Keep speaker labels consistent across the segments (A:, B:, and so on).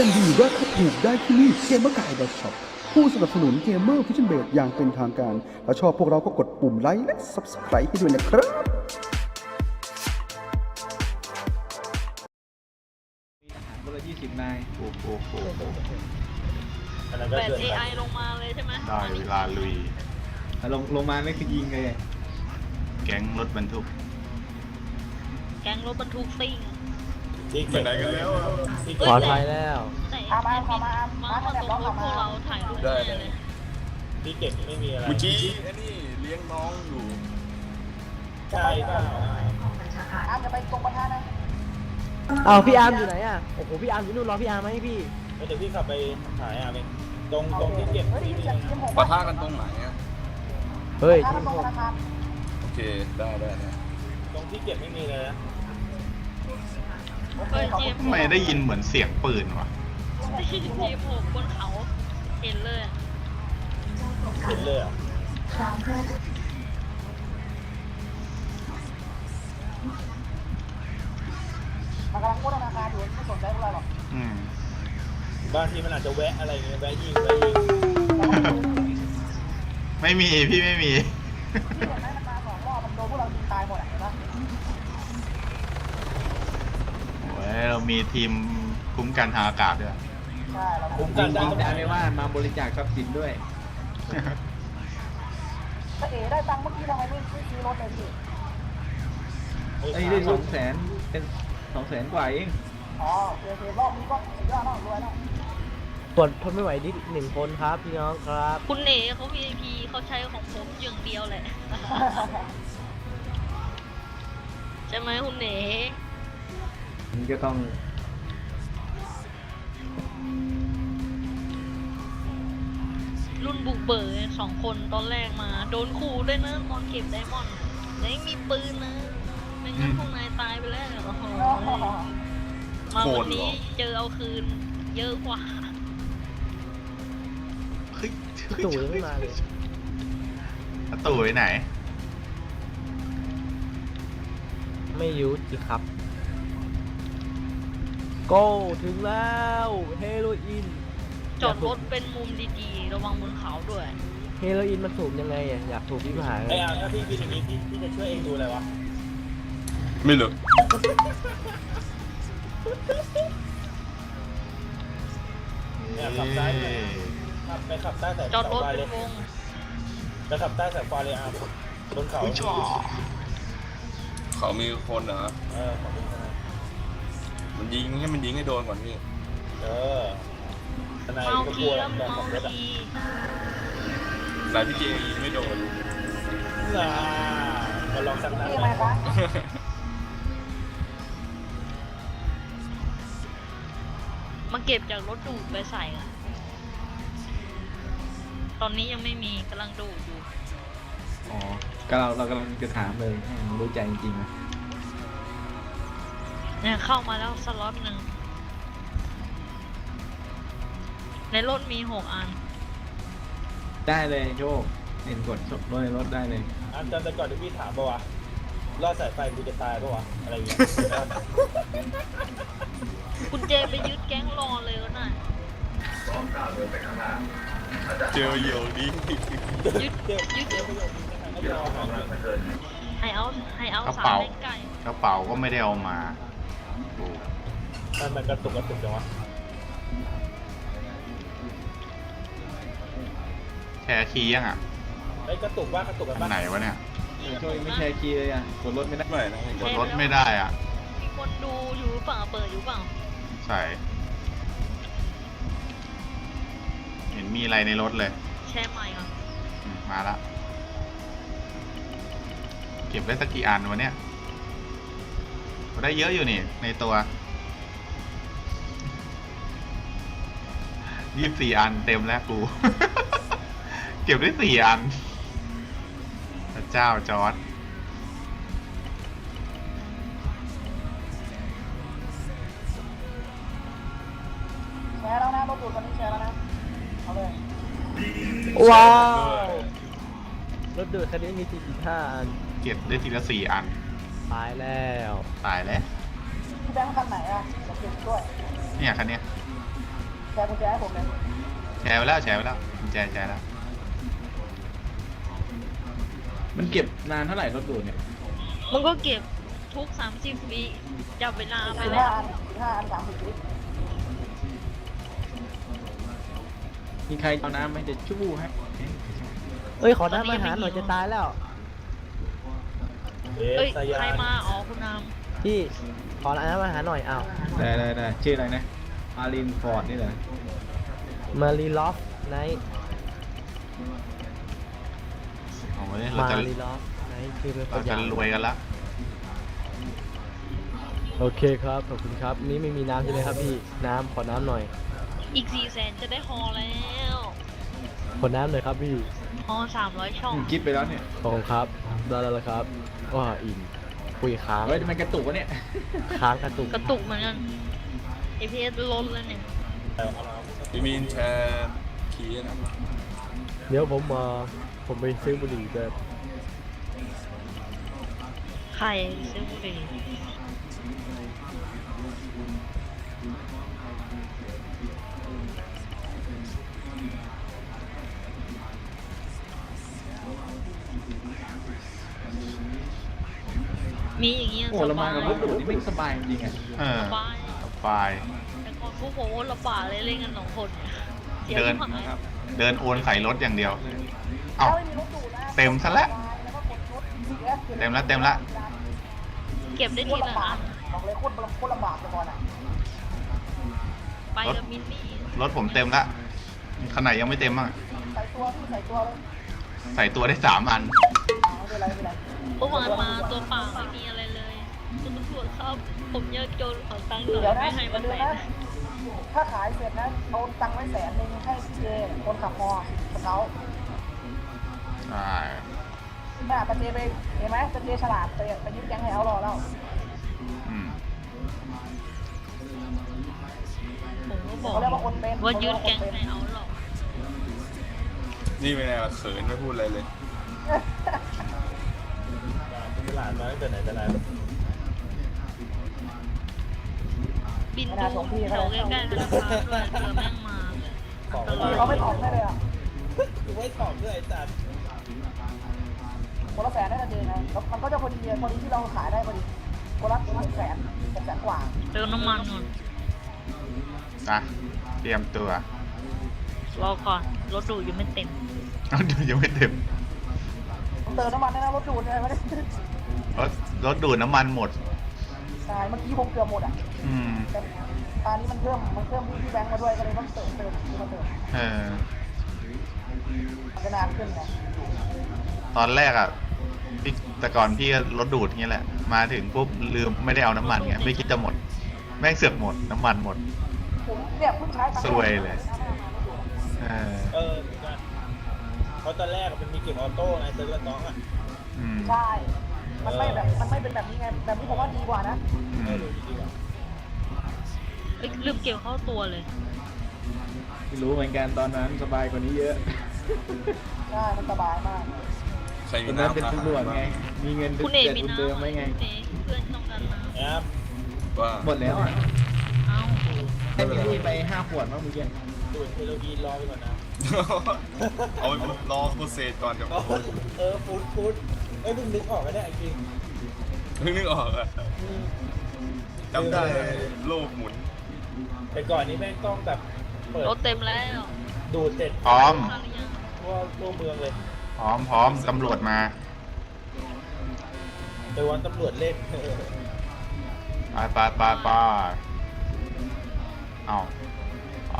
A: มดีราคาถูกได้ที่นี่เกมเมอร์กายช็อปผู้สนับสนุนเกมเมอร์ฟิชเชนเบดอย่างเป็นทางการถ้าชอบพวกเราก็กดปุ่มไลค์และ Subscribe ให้ด้วยนะครับ
B: คนละ20 นาย
C: โอ้โห
D: เปิด AI ลงมาเลยใช่ไหม
C: ได้เวลาลุย
B: ลงมาไม่คือยิงเลย
C: แก๊งรถบรรทุก
D: แก๊งรถบรรทุกซิ่ง
C: ไปไหนกันแล้ว
E: ปลอดภัยแล้ว
D: แต่แอดมินมาตรงรถพวกเราถ่ายรูปแน่เลย
F: พี่เก่งไม่มีอะไร
G: เมื่อกี้ไอ้นี่เลี้ยงน้องอยู่
F: ใช่เปล่า
E: อ้าวพี่อาร์มอยู่ไหนอ่ะโอ้โหพี่อาร์มอยู่นู่นรอพี่อาร์มไหมพี่
F: เดี๋ยวพี่ขับไปหาอาเองตรงที่เก็บที่มี
G: ปะทะกันตรงไหนอ่ะ
E: เฮ้ย
G: โอเค ได้
F: ตรงที่เก็บไม่มีเลยนะ
D: เฮ้ยเจม
C: ทำไมได้ยินเหมือนเสียงปืนวะ
D: เจมโผล่บนเขาเห็นเลย
F: เห็นเลยอ่ะ
C: อืม
F: บางทีมันอาจจะแวะอะไรเงี้ยแวะยิง
C: ไม่มีพี่ไม่มีโอ้ยเรามีทีมคุ้มกันทางอากาศด้วย
F: คุ้ม
B: ยิ
F: กัน
B: ง
F: ได้
B: ได้ไม่ว่ามาบริจาคทรัพย์สินด้วย ไอ้ได้200,000เป็น200,000 กว่าเอง
E: ตรวจทนไม่ไหวนิด1 คนครับพี่น้องครับ
D: คุณเอ๋เขา VIP เขาใช้ของผมอย่างเดียวแหละ ใช่ไหมคุณเอ๋
B: มันก็ต้อง
D: รุ่นบุกเบิก2 คนตอนแรกมา โดนขู่ด้วยนะตอนเก็บไดมอนด์ยังมีปืนนะไม่งั้นพวกนายตายไปแล้วโอ้โหมาวันนี้เจอเอาคืนเยอะกว่า
C: เฮ้ย
E: ตู่ยังไม่มาเลย
C: ประตูไปไหน
E: ไม่รู้สิครับโก้ถึงแล้วเฮโรอีน
D: จอดรถเป็นมุมดีๆ ระวังบนเขาด้วย
E: เฮโรอีนมันสูบยังไงอ่ะอยากสูบพี่ผาย
F: ไอ้อาถ้าพี่เป็นอย่างนี้พี่จะช่วยเองดูอะไรวะ
G: ไม่เหลือ
F: เนี่ยขับซ้ายไปขับใต้สาย
D: จอดรถ
F: ไฟ
D: เป็
F: เลย
D: นวง
F: ไปขับใต้สายไฟเลยอาบนเขา
C: อุ้ยจ่อ
G: เขามีคนเหรอ
F: ขอบคุณนะ
G: มันยิงให้โดนก่อนพี่
F: ทนาย
D: เมา
F: ก็
D: คี
F: กลัว
D: แล้ว
F: ตอน
D: เมา
F: ขับรถอ่ะ
D: คี
G: นายพี่เจยิงไม่โดน
F: มาลองสักนัด
D: มาเก็บจากรถดูดไปใส่อะตอนนี้ยังไม่มีกำลังดูดอยู่
B: อ๋อก็เรากำลังจะถามเลยให้มันรู้ใจจริงๆนะ
D: เนี่ยเข้ามาแล้วสล็อตหนึ่งในรถมี6 อัน
B: ได้เลยโชคเห็นกดรถในรถได้เลย
F: อันจำแต่ก่อนที่พี่ถามป่าวะรอดสายไฟกูจะตายป่าวะอะไรอย่างเงี้ย
D: คุณเจไปยึดแก๊งรอเลยก็ได้
G: เจอเหยี่ยวนี้
D: ยึดให้เอา
C: กระ
D: สาม
C: เป๋า
D: เล่นไก่
C: กระเป๋าก็ไม่ได้เอามาโอ้
F: มันกระตุกจังวะ
C: แชร์คีย์ยังอ่ะ
F: ไอ้กระตุกว่ากระตุกกัน
C: อัน
F: ปะ
C: ไหนวะเนี่ย
B: โชคไม่แชร์คีย์เลยอ่ะกดรถไม่ได้
G: ไม่นะ
C: กดรถไม่ได้อ่ะ
D: มีคนดูอยู่หรือเปล่าเปิดอยู่เปล่า
C: ใส่ เห็นมีอะไรในรถเลย
D: แชร์ใหม่ก่อน
C: มาละ เก็บได้สักกี่อันวะเนี่ยได้เยอะอยู่นี่ในตัว24 อันเต็มแล้วกู เก็บได้4 อันพระเจ้าจอร์ด
E: แชร์แล้วนะรถดูดตอนนี้แชร์แล้วนะเอาเลยว้าวรถดูดคันนี้มี45 อัน
C: เก็บได้ทีละ4 อัน
E: ตายแล้ว
C: ตายแล้ว
E: พี่แบงค์คันไหนอ่ะจะเก็บด้วย
C: เนี่ยคันเนี้ย
E: แชร์กุญแจให้ผมเลย
C: แชร์ไปแล้วแชร์แล้ว
B: มันเก็บนานเท่าไหร่รถดูดเนี่ย
D: มันก็เก็บทุก30 วิจับเวลาไป
E: 15
D: แล้ว
E: อัน15 อัน30 วิ
B: มีใครเอาน้ำไหมจะชู้ให้
H: เอ้ยขอน้ำอาหารหน่อยจะตายแล้ว
D: เอ้ย
F: สายา
D: ใคร
F: น
D: มาอ๋อคุณนาม
H: พี่ขอน้ำอาหารหน่อยอ้าว
B: ได้ชื่ออะไรนะอารินฟอร์ดนี่เหรอ
H: มารีลอฟไนท์
C: โอ้ยเรา
H: มา
C: จะ
H: รีลอฟไนท์คือเป็น
C: เราจะรวยกันละ
H: โอเคครับขอบคุณครับนี่ไม่มีน้ำใช่ไหมครับพี่น้ำขอน้ำหน่อย
D: อีก400,000จะได้ฮอแล้ว
H: ขอน้ำหน่อยครับพี่
D: ฮอ300 ช่อง
B: คิดไปแล้วเนี่ย
H: ขอบคุณครับได้แล้วละครับว้าอิ่มคุยค้าง
B: เฮ้ยมันกระตุกวะเนี่ย
H: ค้างกระตุก
D: กระตุกเหมือนกัน APS ลดแล้วเนี่ย
G: พี่มีนแชร์คีย์นะ
H: เดี๋ยวผมไปซื้อบุหรี่แบบ
D: ใครซื้อบุหรี่มีอย่างเงี้ย
B: โอ้
D: ส
B: เรามา
D: บาย
B: กับรถดูดนี่ไม่สบายจริงๆอ่ะ
C: เออ
D: สบาย
C: ไฟล์
D: แต่ก่อนพวกผมว่าลำบากเลยเล่นกัน2 คนเสีย
C: เดิน
D: ที่หาย
C: เดินโอนใส่รถอย่างเดียว เอ้า
E: ถ้าไม่มีรถดูดนะ
C: เต็มซะแล้ว
E: แล้วก็กดชุด CS
C: เต็มละ
D: เก็บได้
E: โค
D: ที
E: ตร
D: ละ
E: ลำบา
D: อั
E: ก
D: น
E: บอกเลยโคตรลำบากเลยก่อนอ่ะ
D: ไปกับมินนี่
C: รถผมเต็มละขนาดยังไม่เต็มอ่ะ
E: ใส่ตัวพี่ใส่ตัวเลย
C: ใส่ตัวได้3 อัน
E: ไม่เป็นไรไม่เป็นไร
D: เมื่อวานมาตัวเปล่าไม่มีอะไรเลยคุณตำรวจครับผมยากจนขอตังค์หน่
E: เดี๋ยว
D: อย
E: นะ
D: ไม่ให้
E: อย่า
D: มา
E: ลืม
D: แส
E: นะ
D: น
E: ถ้าขายเสร็จนะเอาตังค์ไว้100,000ให้พี่เจคนขับมอสเกา
C: ใช่
E: น่ะปะเจไปเห็นไหมปะเจฉลาดไปยึดแก๊งให้เอารอแล้ว
C: อืม
D: ผมก็บอก
E: เขาเรียกว่าคนเป็น
D: ว่ายืดแกงให้เอาหรอก
G: นี่เป็นไงล่ะเขินไม่พูดอะไรเลย
F: ตลาดมาตั้งแต่ไหนแต่ไร
D: บินดูแถวใกล้ๆธนาคารด้วยเผื่อแม่งมาอันตราย
E: เขาไม่ตอบได้เลยอ่ะ
F: กูไม่ตอบด้วยไอ้สัตว์
E: คนละ100,000ได้ปะเจนะแล้วมันก็จะพอดีที่เราขายได้พอดีคนละ600,000กว่า
D: เติมน้ำมันก่อน
C: นะเตรียมตัว
D: รอก่อนรถดูดยังไม่เต็ม
C: รถดูดยังไม่เต็ม
E: เติมน้ำมันได้นะรถดูดใช่ไหม
C: รถดูดน้ำมันหมด
E: ใช่เมื่อกี้ผมเกือบหมดอ่ะ
C: อืม
E: แต่ตอนนี้มันเพิ่มพี่แบงค์มาด้วยก็เลยต้องเติมมาเติม
C: เออ
E: มันจะนานขึ้นไง
C: ตอนแรกอ่ะพี่แต่ก่อนพี่ก็รถดูดอย่างเงี้ยแหละ มาถึงปุ๊บลืมไม่ได้เอาน้ำมันไงไม่คิดจะหมด แม่งเสือกหมดน้ำมันหมด
E: ผมเนี่ยเพิ่งใช้ตังค์
C: ซวยเลย เออ
F: เหมือนกันเพราะตอนแรกมันมีเก็บออโต้ไงเซิร์ฟน้องอ่ะ
C: อืม
E: ใช่ มันไม่เป็นแบบนี้ไงแบบนี้ผมว่าดีกว่านะ
C: อืม
D: เอ้ยลืมเกี่ยวเข้าตัวเลย
B: ไม่รู้เหมือนกันตอนนั้นสบายกว่านี้เยอะ
E: ใช่มันสบายมาก
G: ใคร
B: ต
G: มี
B: อนนั้น
G: น้ำ
B: เป็นตำรวจไง มีเงิน
D: คุณเอก
B: เดือน
D: มี
B: คุณ
D: น้ำ
B: เดิมไหมไง
D: คุณเอกเพื่อนต้องการน้ำ
F: แอป
G: ว่า
B: หมดแล้วอ่ะ
D: เอ้า
B: ให้มินนี่ไป5 ขวดมั้งเมื่อกี้
F: ดูดเฮโรอีนรอไปก่อนนะ
G: เอาไปรอโปรเซสก่อนจะ
F: ฟูดเอ้ยเพิ่งนึกออกก็ได้จริง
G: เพิ่งนึกออกอะจำได้โลกหมุน
F: แต่ก่อนนี้แม่งต้องแบบเปิด
D: รถเต็มแล้ว
F: ดูดเสร็จ
C: พร้อม
D: มาหรือยัง
F: ทั่วเมืองเลย
C: พร้อมตำรวจมา
F: ไปวันตำรวจเล่น
C: ไปเอาไป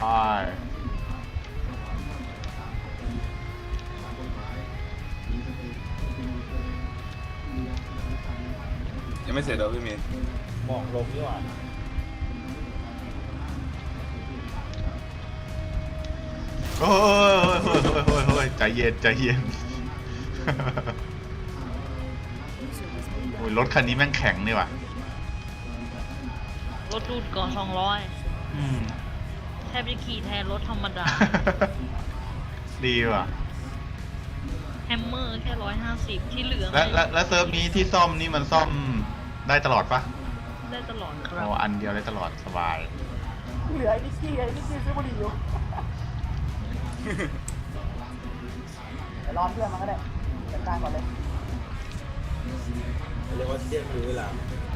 G: ยังไม่เสร็จเหรอพี่มีน
F: หมอกลงนี่หว่า
C: โอ้ยใจเย็น โอ้ยรถคันนี้แม่งแข็งนี่ว่ะ
D: รถดูดก่อน200
C: อืม
D: แทบจะขี่แทนรถธรรมดา
C: ดีว่ะ
D: แฮมเมอร์แค่150ที่เหลือ
C: และเซิร์ฟนี้ที่ซ่อมนี่มันซ่อมได้ตลอดปะ
D: ได้ตลอดครั
C: โอ้
D: บ
C: อันเดียวได้ตลอดสบาย
E: เหลือไอ้นิกกี้ซื้อบุหรี่อยู่เดี๋ยวรอเพื่อนมันก็ได้จัดการก่อนเลย
F: เรียกว่าเที่ยงรู้เวลา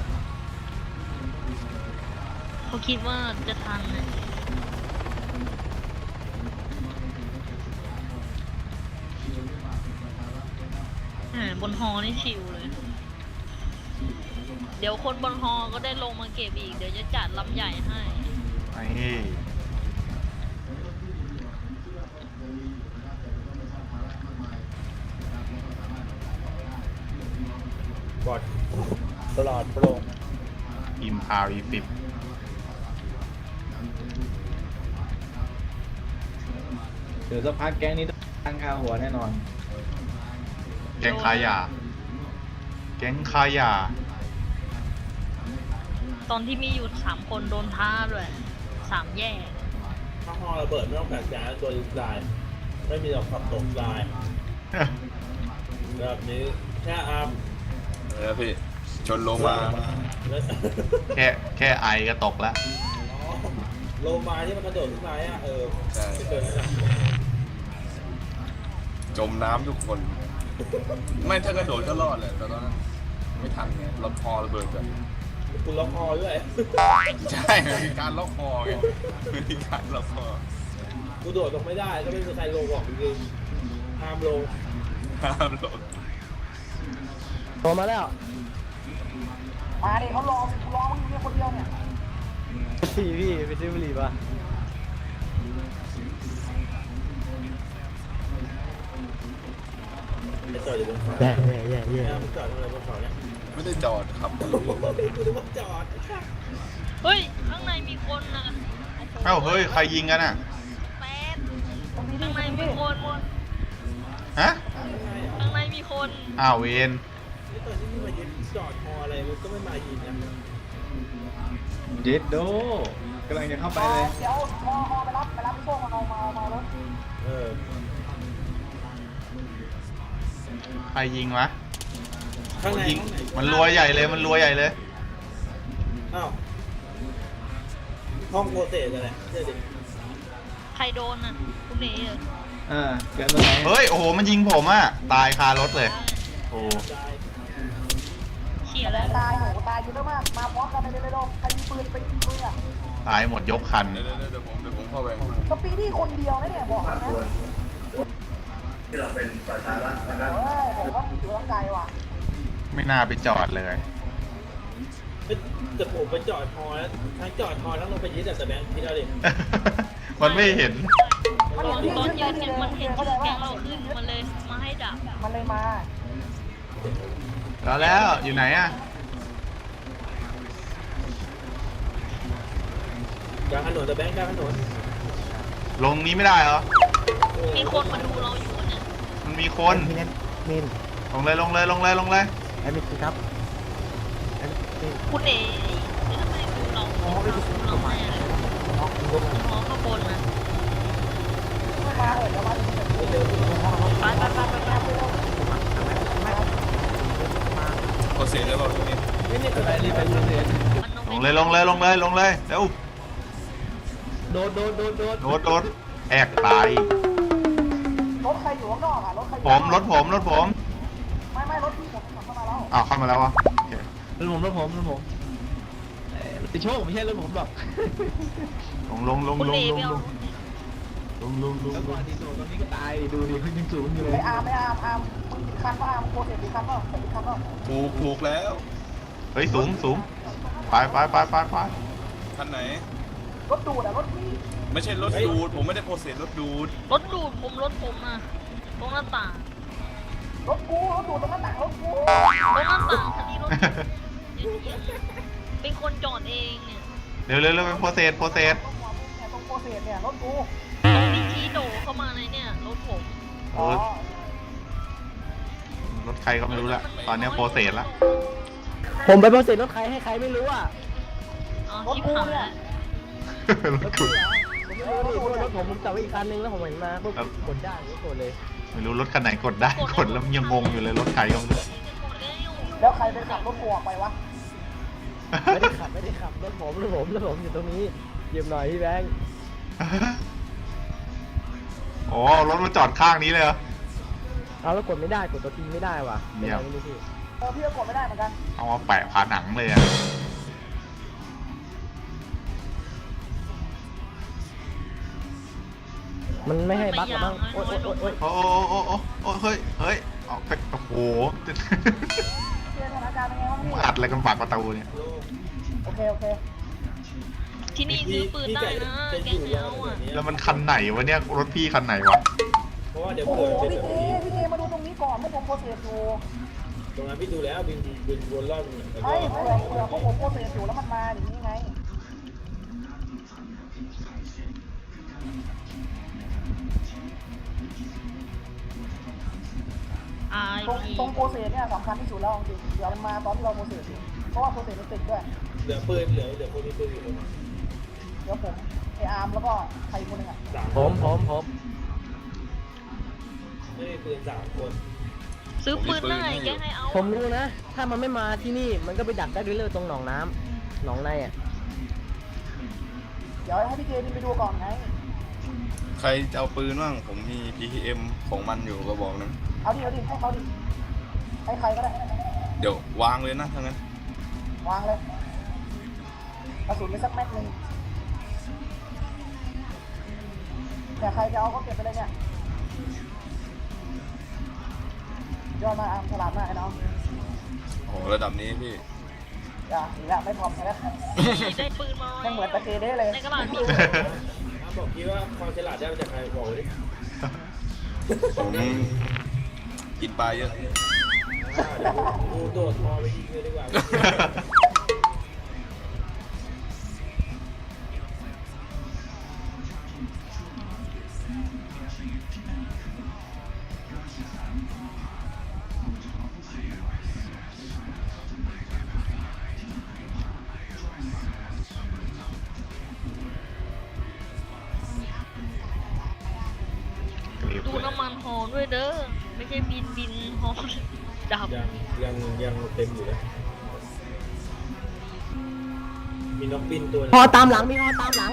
D: เขาคิดว่าจะทันนะบนฮอนี่ชิวเลย เดี๋ยวคนบนฮอก็ได้ลงมาเก็บอีก เดี๋ยวจะจัดลำใหญ่ให้
C: ไอ้
F: บอดตลอดโปร่ง
C: อิมพาวอีฟิป
B: เดี๋ยวสักพักแก๊งนี้ต้องตั้งค่าหัวแน่นอน
C: แก๊งค้ายา แก๊งค้ายา
D: ตอนที่มีอยู่3 คนโดนท้าด้วย3 แย่
F: ถ้าฮอระเบิดไม่ต้องแปลกใจตัวลายไม่มีหรอกขับตกลายแบบนี้แค่อาร์ม
G: พี่ชนโลมา
F: แล้ว
C: แค่ไอก็ตกแล้ว
F: โลมาที่มันกระโดดขึ้นมาอ่ะ
G: ใช่
F: ไม่เกินนั่นแหละ
G: จมน้ำทุกคน ไม่ถ้ากระโดดก็รอดแหละแต่ตอนนั้นไม่ทันไงรถพอระเบิดแบบ
F: คุณล็อกคอด้วย
G: ใช่มีการล็อกคอไงมีการล็อกคอ
F: กูโดดลงไม่ได้ก็ไม่มีใครลงหรอกจริงๆห้ามลง
G: ห้ามลง
H: โทรมาแล้ว
E: มาดิเขารอมึงอยู่เนี่ยคนเดียวเนี่ย
H: พี่ไปซื้อบุหรี่ป่ะ
F: ไปจอดอยู่บนเขา
H: แย่
F: เนี่ยมึงจอดอะไรบนเขาเนี่ย
G: ไม่ได้จอดครับ
F: กูนึกว่าจอด
D: เฮ้ย ข้างในมีคนนะ
C: เอ้าเฮ้ย ใครยิงกันอ่ะ
D: แป๊ดข้างในมีคน
C: ฮะ
D: ข้างในมีคน
C: อ้าวเวน
F: นี่ตอนที่มึงมายึดจอดฮออะไรมันก็ไม่มายิงนะ
B: เจ็ดโดกำลังจะเข้าไปเลย
E: เดี๋ยวพอไปรับพี่โชคมาเอารถ
C: ใครยิงวะ
F: ข้างใน
C: ยิงมันรัวใหญ่เลย มันรัวใหญ่เลย
F: อ้าวห้องโปรเซสอะไรเชื่อดิ
D: ใครโดนน่ะ คุณเอ๋เหรอ
B: เกิดตรงไหน
C: เฮ้ย โอ้โห มันยิงผมอ่ะ ตายคารถเลย โอ้
D: เขี่ยแล้ว
E: ตายเยอะมากมาพร้อมกันเลยโดนใครมีปืนไปยิงมึงอ่ะ
C: ตายหมดยกคัน
G: เดี๋ยวผมเข้าไป
E: สปีดี้คนเดียวนะเนี่ยบอกนะผมว่าถือว่าไกลว่ะ
C: ไม่น่าไปจอดเลย
F: แต่ผมไปจอดฮอแล้วทั้งจอดฮอทั้งลงไปยึดแต่แบงค์พี่เราดิ
C: มันไม่เห็น
D: ตอนยืนกันมันเห็นชื่อแก๊งเราขึ้นมันเลยมาให้ดับ
E: มันเลยมา
C: แล้วอยู่ไหนอ่ะ
F: กลางถนนแต่แบงค์กลางถนน
C: ลงนี้ไม่ได้เหรอ
D: มีคนมาดูเราอยู่เนี่ย
C: มันมีคน
H: พี่เน้นมิน
C: ลงเลย
H: ไอ้มินครับ
D: คุณเอ๋ทำไมดูเราเราแม่เลยมองข้างบนนะ
E: มาเดี๋ยวมา
D: ไป
G: โปรเซสแล้วเราตรงนี้
B: ไปรีบไปดูเสีย
D: มัน
C: ลงเลยเร็ว
H: โดน
C: โดดแอกตาย
E: รถใครอยู่ข้างนอกอ่ะรถใคร
C: รถผม
E: ไม่รถที่ผมขับเข้ามาแล้ว
C: อ้าวเข้ามาแล้ววะโอเค
B: รถผมติโชคไม่ใช่รถผมหรอก
C: ลง
D: คุณเอ๋ไปเอา
B: แล้วก่อนที่โดนตอนนี้ก็ตายดูดิขึ้นยังสูงอยู่เลย
E: ไม่อาร์มมึงคันป่ะอาร์มโคเสร็จคันป่ะเสร็จคันป่ะ
G: ผูกแล้ว
C: เฮ้ยสูงไป
G: คันไหน
E: รถดูดอ่ะรถพี่
G: ไม่ใช่รถดูดผมไม่ได้โปรเซสรถดูด
D: รถดูดผมอ่ะตรงหน้าต่าง
E: รถกูรถดูดตรงหน้าต่างรถกู
D: ตรงหน้าต่างคันนี้รถเป็นคนจอดเองเนี่ย
C: เร็วเป็นโปรเซส
E: ตรงหัวมึงเนี่ยตรงโคเสร็จเนี่ยรถกู
D: ตรงนี้ชี้โดเข้ามาในเนี่ยรถผม
C: โอ้ยรถใครก็ไม่รู้ละตอนนี้โปรเซสละ
H: ผมไปโปรเซสรถใครให้ใครไม่รู้อ่ะ
D: อ๋อชิบหายแล้ว
C: รถกู
H: ผมไม่รู้ดิเพราะว่ารถผมจับไว้อีกคันนึงแล้วผมเห็นมาปุ๊บกดได้ก็กดเลย
C: ไม่รู้รถคันไหนกดได้กดแล้วยังงงอยู่เลยรถใครก็ไม่รู้
E: แล้วใครไปขับรถกูออกไปวะ
H: ไม่ได้ขับรถผมอยู่ตรงนี้เยี่ยมหน่อยพี่แบงค์
C: โอ้รถมาจอดข้างนี้เลยเหรอ
H: เอาแล้วกดไม่ได้กดตัวทีไม่ได้ว่ะ
C: เยี่ยม
H: เป็นไรไม่รู้พี่
E: พี่ก็กดไม่ได้เหมือนกัน
C: เอามาแปะผาหนังเลยอะ
H: มันไม่ให้บั๊กหรอบ้างโอ๊ยโอ๊ยโอ๊ยโอ๊ย
C: โอ้โอ้เฮ้ยเฮ้ยเอาไปโอ้โห
E: เรียนสถานการณ์เป็นไงบ้างพี่
C: มาอัดอะไรกันปากประตูเนี่ย
E: โอเคโอเค
D: ที่นี่ซื้อปืนได้นะแกงเอาอ่ะ
C: แล้วมันคันไหนวะเนี่ยรถพี่คันไหนวะ
F: เพราะว่าเดี๋ยว
E: โอ้โห
F: เผื่อเป็น
E: พี่
F: แบบ
E: เจ
F: นี้
E: มาดูตรงนี้ก่อนพวกผมโปรเซสอยู่
F: ตรงนั้นพี่ดูแล้วบินวนรอบแล้วก็
E: ไอ้เผื่อพวกผมโปรเซสอยู่แล้วมันมาอย่างนี้ไง
D: อา
E: ตรงโปรเซสเนี่ยสำคัญที่สุดแล้วจริงเดี๋ยวมันมาตอนที่เราโปรเซสอยู่เพราะว่าโปรเซสมันติดด้วย
F: เหลือปืนเหลือคนมีปืนอยู่ตรงนั้น
E: เดี๋ยวผมไออาร์มแล้วก็ใครคนหนึงอ่ะ
F: 3
H: ผม
F: ไม่มีปืน3 คน
D: ซื้อปืนได้แกให้เอา
H: ผมรู้นะ ถ้ามันไม่มาที่นี่มันก็ไปดักได้ด้วยเลยตรงหนองน้ำหนองในอ่ะ
E: เดี๋ยวให้พี่เจบินไปดูก่อนไง
G: ใครจะเอาปืนบ้างผมมี PTM ของมันอยู่ก็บอกนึง
E: เอาดิให้เขาดิให้ใครก็ได้
G: เดี๋ยววางเลยนะทั้างนั้น
E: วางเลยกระสุนไปสักแม็กหนึ่งแต่ใครจะเอาก็เก็บไปเลยเนี่ยยอดมาอาร์มฉลาดมากไอ้น้อง
G: โอ้โหระดับนี้พี่
E: อย่าอีกแล้วไม่พร้อมแล้ว
D: ได้ปืนมา
E: ไม่เหมือนตะเกเด้เลย
D: ในกระดาษมี
F: ถ้าบอกพี่ว่าความฉลาดได้มาจากใครบอกเลย
G: ผมกินปลาเยอะ
F: เดี๋ยวกูโดดพอไปยิงเลยดีกว่า
D: ดูน้ำมันหอด้วยเด้อไม่ใช่บินหอดับ
F: ยังเต็มอยู่นะมีนกบินตัวนึง
H: ฮอตามหลังมีฮอตามหลัง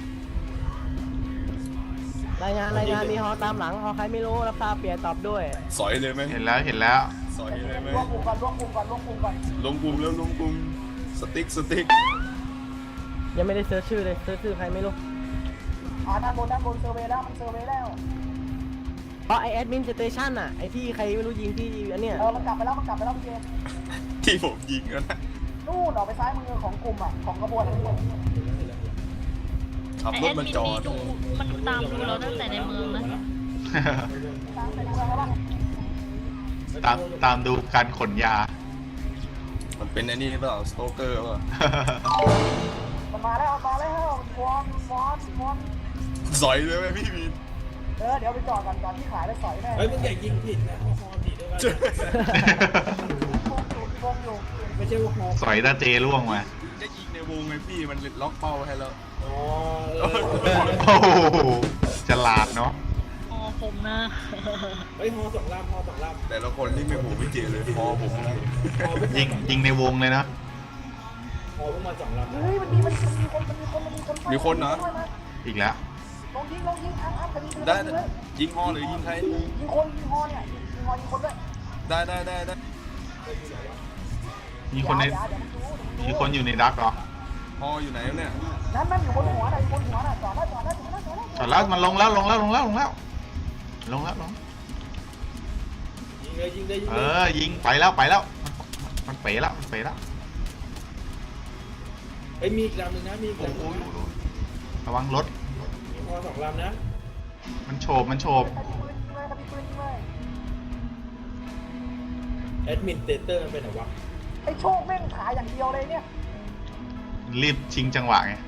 H: รายงานมีฮอตามหลังฮอใครไม่รู้รับทราบเปลี่ยนตอบด้วย
G: สอยเลยไหม
C: เห็นแล้ว
G: สอยเลยไหม
E: รวมกลุ่มก่อนรวมกลุ่มก่อน
G: ลงกลุ่มแล้วลงกลุ่มสติ๊ก
H: ยังไม่ได้เซิร์ชชื่อเลยเซิร์ชชื่อใครไม่รู้
E: ด้านบนเซอร์เวย์แล้วมันเซอร์เวย์แล้ว
H: เพราะไอแอดมินสเตชันอ่ะไอที่ใครไม่รู้ยิงที่อันเนี้ย
E: มันกลับไปแล้วพี่เจ
G: ที่ผมยิงแล้วนะ
E: นู่นออกไปซ้ายมือของกลุ่มอ่ะของกระบวน
G: ขับ
D: ไอ
G: ร
D: แอ
G: ถ
D: ด
G: มา
D: มิน
G: จอ
D: นี่
G: ด
D: ดูมันตามดูเราตั้งแต่ในเมืองนะ
C: ตามดูการขนยา
G: มันเป็นไอ้นี่เปล่าสโตเกอร์เปล่า
E: มันมาแล้ววอน
G: สอยเลยไหมพี่มีน
E: เดี๋ยวไปจอดก่อนที่ขายได้สอยแน่
F: เฮ้ยมึงอย่ายิงผิดนะฮอผิดด้วยกันไม่ใช่ว่าฮอ
C: สอยตาเจล่วงมา
G: จะยิงในวงไงพี่มันล็อกเป้าให้แล้ว
F: อ๋อ
C: โอ้โหฉลาดเนาะ
D: อ๋อผมนะ
F: เฮ้ยฮอ2 ลำ
G: แต่ละคนนี่ไม่หูไม่เจเลยพอผมนะ
C: ยิงในวงเลยนะ
F: ฮอเพิ่งมา2 ลำ
E: เฮ้ยมันมีคน
G: มีคนเหรอ
C: อีกแล้ว
E: ลงยิงอ้ำคดี
G: ได้ยิงฮอหรือยิงใคร
E: ยิงคนยิงฮอเนี่ยยิงฮอยิงคนด้วย
G: ได้
C: มีคนในมีคนอยู่ในดักเหรอ
G: ฮออยู่ไหนเนี่ย
E: นั่นอยู่บนหัวน่ะจอดแล้ว
C: จอดแล้วมันลงแล้ว
F: ยิงเลย
C: ยิงไปแล้ว มันเป๋แล้ว
F: เฮ้ยมีอีกลำหนึ่งนะมีอีก
C: โอ้
F: ลำห
C: โห
F: นึ่งนะ
C: ระวังรถ
F: มีฮอ2 ลำนะ
C: มันโฉบ
F: แอดมินเตเตอร์มันเป็นไหนวะ
E: ไอ้โชคแม่งขายอย่างเดียวเลยเนี่ย
C: รีบชิงจังหวะไง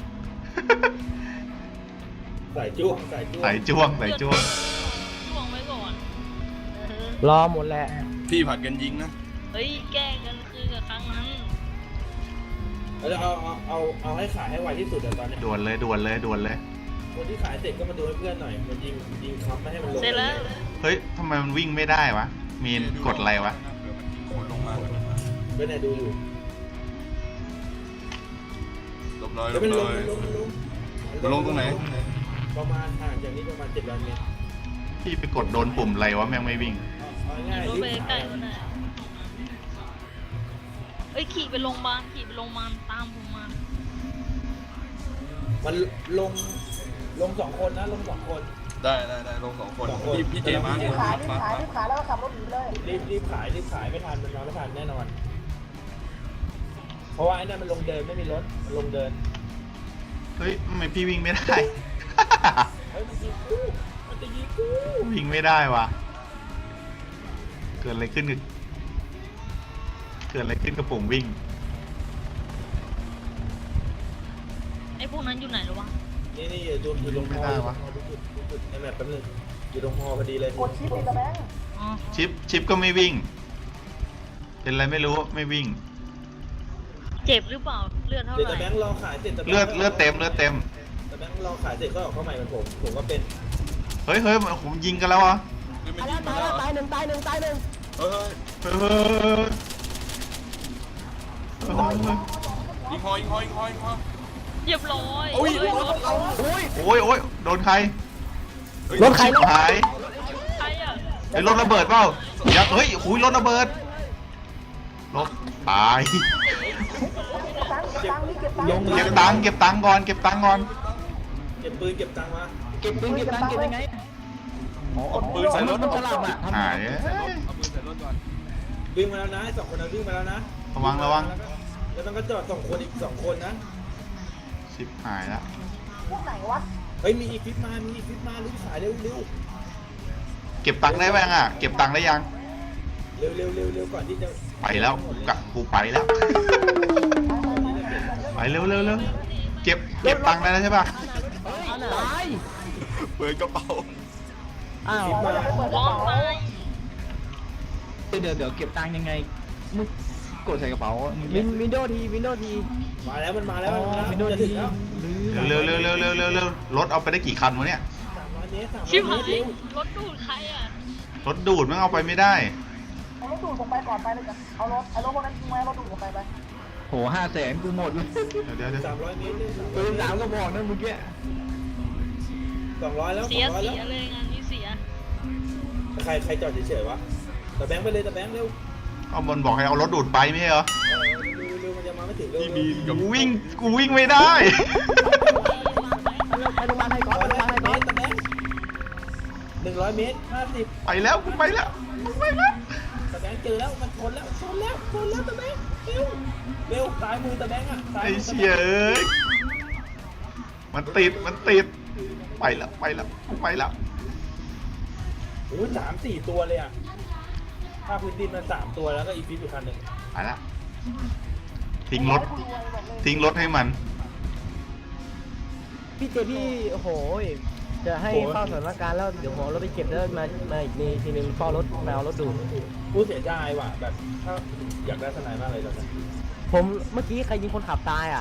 F: สายจ้วง
C: ใส่จ้วง
D: ช่วงไว้ก่อน
H: รอหมดแหละ
G: พี่ผัดกันยิงนะ
D: เฮ้ยแก้กันคือกับครั้งนั้น
F: แล้วเอาให้ขายให้ไวที่สุดอะตอนเนี้ย
C: ด่วนเลย
F: คนที่ขายเสร็จก็มาดูให้เพื่อนหน่อยมันยิงค้ำไม่ให้มันลง
D: เสร็จแล้ว
C: เฮ้ยทำไมมันวิ่งไม่ได้วะ มีนกดอะไรวะ
G: เผื่อมันยิงคนลงมา
F: เพื่อนไหนดูอยู่
G: หลบเลย
F: แล้วมันลง
G: ลงตรงไหน
F: ประมาณห่างจากนี้ประมาณ700 เมตร
C: พี่ไปกดโดนปุ่มอะไรวะแม่งไม่วิ่ง
F: เอาง่าย
D: รถ
F: ๆ
D: ไปใกล้ๆก็ได้เอ้ยขี่ไปโรงพยาบาลตามผมมา
F: มันลง2 คนนะลง2 คน
G: ได้ลง2 คน
F: 2 คน
G: พี่เจมา
E: รีบขายแล้วก็ขับรถหนีเลย
F: รีบขายไม่ทันมันมาไม่ทันแน่นอน เพราะว่าไอ้นั่นมันลงเดินไม่มีรถมันลงเดิน
C: เฮ้ยทำไมพี่วิ่งไม่ได้
F: เฮ้ยมันยิงกูมันจะยิงกู
C: วิ่งไม่ได้วะเกิดอะไรขึ้นกับปุ่มวิ่ง
D: ไอ้พวกนั้นอยู่ไหนหรอวะ
F: นี่อยู่ตรง
C: ไม่ได้วะ
F: จุดไอ้แมปแป๊บนึงอยู่ตรงฮอพอดีเลย
E: กดชิปเลยตะแบงค์
D: อ๋อ
C: ชิปก็ไม่วิ่ง เป็นอะไรไม่รู้ไม่วิ่ง
D: เจ็บหรือเปล่าเลือดเท่า
F: เดี๋ยว
D: ไห
F: ตะแบ
D: ร่
F: งค์รอขายเสร็จตะแบงค์
C: เลือดเต็ม
F: ตะแบงค์รอขายเสร็จก็ออกเข้าใหม่เหมือนผมก็เป็น
C: เฮ้ยผมยิงกันแล้วอ่ะ
E: ตายหนึ่ง
C: เฮ้ย
G: เฮ้ย ยิงฮอ
D: เรียบร้อย
G: โอ้ย
D: เฮ้ยรถ
C: โอ้ยโดนใคร
G: รถใคร
C: ชิบหาย
D: ใครอ่ะ
C: ไอ้รถระเบิดเปล่าอย่าเฮ้ยหุยรถระเบิดรถตาย เก็บตังค์ก่อน
F: เก็บปืนเก็บตังค์มา
E: เก็บยังไง
G: เอาปืนใส่รถ
E: มันฉลาดอ่ะ
C: หาย
G: เอาปืนใส่รถก่อน
F: วิ่งมาแล้วนะ2 คนนั้นวิ่งมาแล้วนะ
C: ระวัง
F: แล้วมันก็จอด2 คนอีก2 คนนะ
C: ชิบหายแล้ว
E: พวกไหนวะ
F: เฮ้ยมีอีกฟิปมารีบขายเร็ว
C: เก็บตังค์ได้ไหมอ่ะเก็บตังค์ได้ยัง
F: เร็วก่อนที่จะ
C: ไปแล้วกูไปแล้วไปเร็วเก็บตังค์ได้แล้วใช่ป่ะ
E: ตาย
G: เปิดกระเป๋า
E: อ้าว
D: ร้องไป
B: เดี๋ยวเก็บตังค์ยังไงมึงกดใส่กระเป๋ามึง
E: วินโดว์ที
F: มาแล้วมันมาแล้ว
B: วินโดว์
F: จะ
B: ที
F: ถึงแล้ว
C: เร็วรถเอาไปได้กี่คันวะเนี่ย
F: 300 เมตร
D: ชิบหาย
F: เร็ว
D: รถดูดใครอ่ะ
C: รถดูดมันเอาไปไม่ได้
E: เอารถดูดผมไปก่อนไปเลยจ้ะเอารถพวกนั้นทิ้งไว้รถดูดผมไป
B: โห500,000กูหมดเลย
C: เดี๋ยว
F: 300 เมตร
B: ปืน3ก็บอกนะเมื่อกี้
F: 200แล้ว
D: เสีย
F: 200แล้ว
D: เลยงานนี้เสีย
F: ใครจอดเฉยๆวะตะแบงค์ไปเลยตะแบงค์เร็ว
C: เอาบนบอกให้เอารถดูดไปไม่ใช่เหรอ
F: เร็วมันจะมาไม่ถึงเร็ว
G: ที่มีกับ
C: กูวิ่งไม่ได้
E: ไปโรงพยาบาลให้ก่อนไปโรงพยาบาลให้ก่อน
F: ตะแบงค์100 เมตร 50
C: ไปแล้วกูไปแล้ว
F: ตะแบงค์เจอแล้วมันชนแล้วตะแบงค์เร็วซ้ายมือตะแบงค์อ่ะซ้าย
C: ไอ้
F: มือตะ
C: เชี่
F: แบ
C: ย
F: งค์
C: เอ้ยมันติดไปแล้ว
F: โอ้ย3-4 ตัวเลยอ่ะภาคพื้นดินมัน3 ตัวแล้วก็อีฟิตอยู่คันหนึ่ง
C: ไปแล้วทิ้งรถให้มัน
H: พี่เจพี่โอ้โหจะให้เฝ้าสถานการณ์แล้วเดี๋ยวผมเอารถไปเก็บแล้วมาอีกทีนึงเฝ้ารถมาเอารถดูด
F: กูเสียดายว่ะแบบถ้าอยากได้ทนายมากเลยตอนนี้
H: ผมเมื่อกี้ใครยิงคนขับตายอ่ะ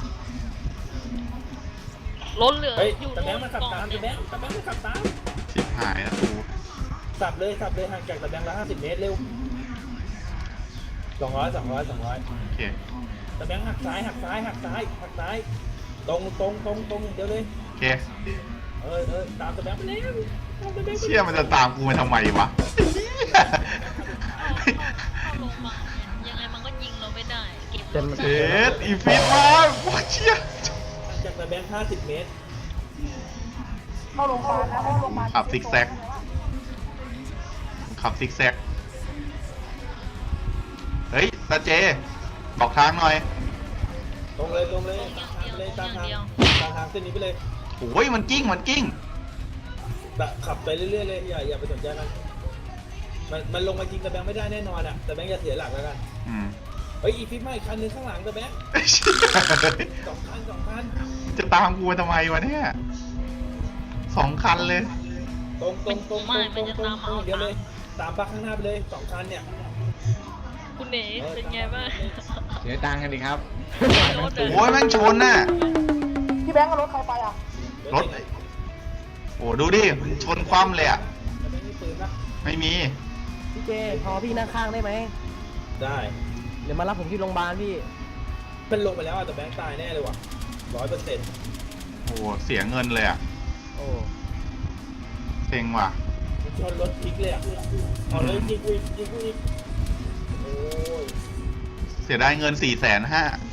D: รถเหลือ
F: เฮ้ย
D: อยู่
F: ตะแบงค์มันขับตามตะแบงค์มันขับตาม
C: ชิบหายแล้วกู
F: สับเลยห่างจากตะแบงค์ละ50 เมตรเร็ว200
C: โอเค
F: ตะแบงค์หักซ้ายตรงเดี๋ยวเลย
C: โอเค
F: ตามตะแบงค์ไปแล้วตามตะแบงค์ไป
C: เชี่ยมันจะตามกูมาทำไมวะ
D: เข้าโรงพยาบาลเนี่ยยังไงมันก็ยิงเราไม่ได้ เก็บรถ
C: เอ็ดอีฟิตมากว้าเชี่ย
F: ห่างจากตะแบงค์50 เมตร
E: เข้าโรงพยาบาลนะเข้าโรงพยาบาล
C: ขับซิกแซกเฮ้ยตาเจบอกทางหน่อย
F: ตรงเลยตามทางเส้นนี้ไปเลย
C: โอ้ยมันกิ้ง
F: ขับไปเรื่อยๆเลยอย่าไปสนใจมันลงมายิงตะแบงค์ไม่ได้แน่นอนอ่ะตะแบงค์อย่าเสียหลักแล้วกัน
C: อืม
F: เฮ้ยอีฟิตมาอีกคันนึงข้างหลังตะแบงค์2 คัน
C: จะตามกูมาทำไมวะเนี่ย2 คันเลย
F: ตรงเดี๋ยวเลยตามปักข้างหน้าไปเลย2 คันเนี่ย
D: คุณเอ๋เป็นไงบ้าง
B: เสียตังค์กันดิครับ
D: รถ
C: โอ้ยแม่งชนน่ะ
E: พี่แบงค์เอารถใครไปอ่ะ
C: รถโอ้ดูดิชนคว่ำเลยอ่ะ
F: ตะแบงค์มีปืนปะ
C: ไม่มี
H: พี่เจพอพี่นั่งข้างได้ไหม
F: ได้
H: เดี๋ยวมารับผมที่โรงพยาบาลพี่
F: มันลงไปแล้วอ่ะแต่แบงค์ตายแน่เลยว่ะ100%
C: โหอ้เสียเงินเลยอ่ะ
H: โอ้
C: เซ็งว่ะ
F: มันชนรถพลิกเลยอ่ะเอาเลยยิงกูอีกโอ้ย
C: เสียได้เงิน450,000